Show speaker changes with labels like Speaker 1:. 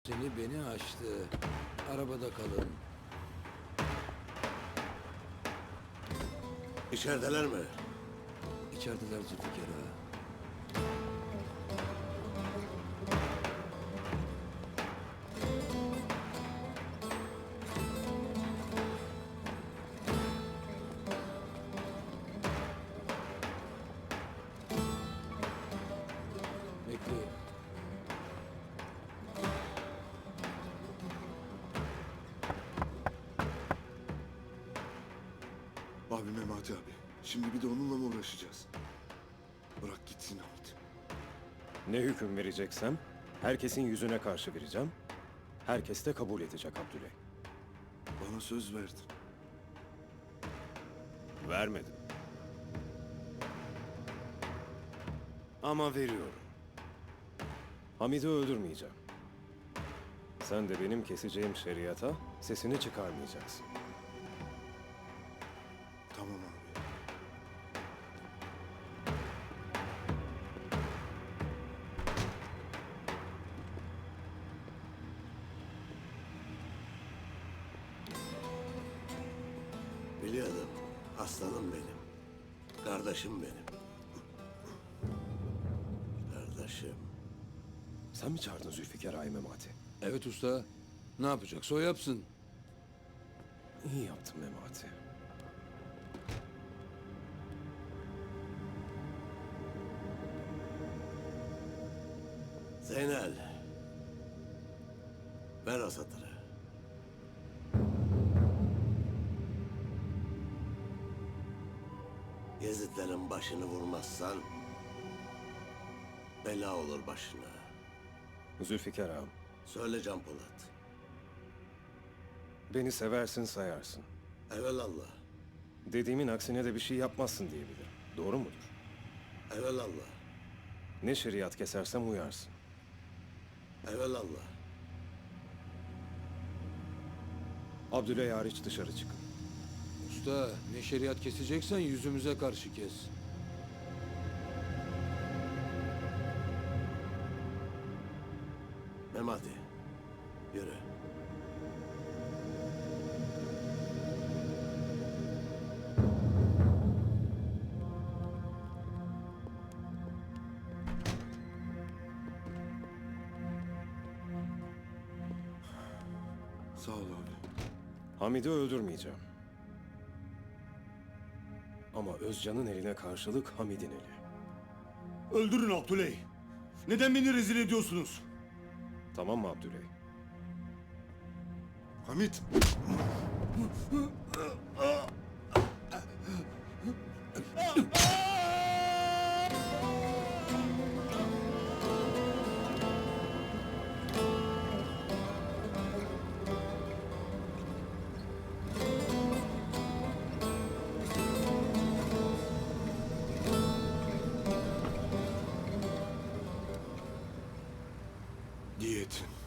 Speaker 1: Seni beni aştı. Arabada kalın.
Speaker 2: İçerideler mi?
Speaker 1: İçerideler Zülfikar ağa. Bekleyin.
Speaker 3: Abi Memati abi. Şimdi bir de onunla mı uğraşacağız? Bırak gitsin Hamit.
Speaker 4: Ne hüküm vereceksem herkesin yüzüne karşı vereceğim. Herkes de kabul edecek Abdüley.
Speaker 3: Bana söz verdin.
Speaker 4: Vermedim. Ama veriyorum. Hamid'i öldürmeyeceğim. Sen de benim keseceğim şeriata sesini çıkarmayacaksın.
Speaker 3: Tamam abi.
Speaker 2: Biliyordum. Aslanım benim. Kardeşim benim. Kardeşim.
Speaker 4: Sen mi çağırdın Zülfikar Ağa'yı Memati?
Speaker 1: Evet usta. Ne yapacaksa o yapsın.
Speaker 4: İyi yaptın Memati.
Speaker 2: Zeynel. Ver o satırı. Yezidlerin başını vurmazsan bela olur başına.
Speaker 4: Zülfikar Ağam,
Speaker 2: Söyle Can Polat.
Speaker 4: beni seversin sayarsın.
Speaker 2: Evelallah.
Speaker 4: Dediğimin aksine de bir şey yapmazsın diyebilirim. Doğru mudur?
Speaker 2: Evelallah.
Speaker 4: Ne şeriat kesersem uyarsın.
Speaker 2: Evelallah.
Speaker 4: Abdüley hariç dışarı çıkın.
Speaker 1: Usta ne şeriat keseceksen yüzümüze karşı kes.
Speaker 2: Memati. Yürü.
Speaker 3: Sağ ol abi.
Speaker 4: Hamid'i öldürmeyeceğim. Ama Özcan'ın eline karşılık Hamid'in eli.
Speaker 5: Öldürün Abdüley. Neden beni rezil ediyorsunuz?
Speaker 4: Tamam mı Abdüley?
Speaker 3: Hamit! Diyetin.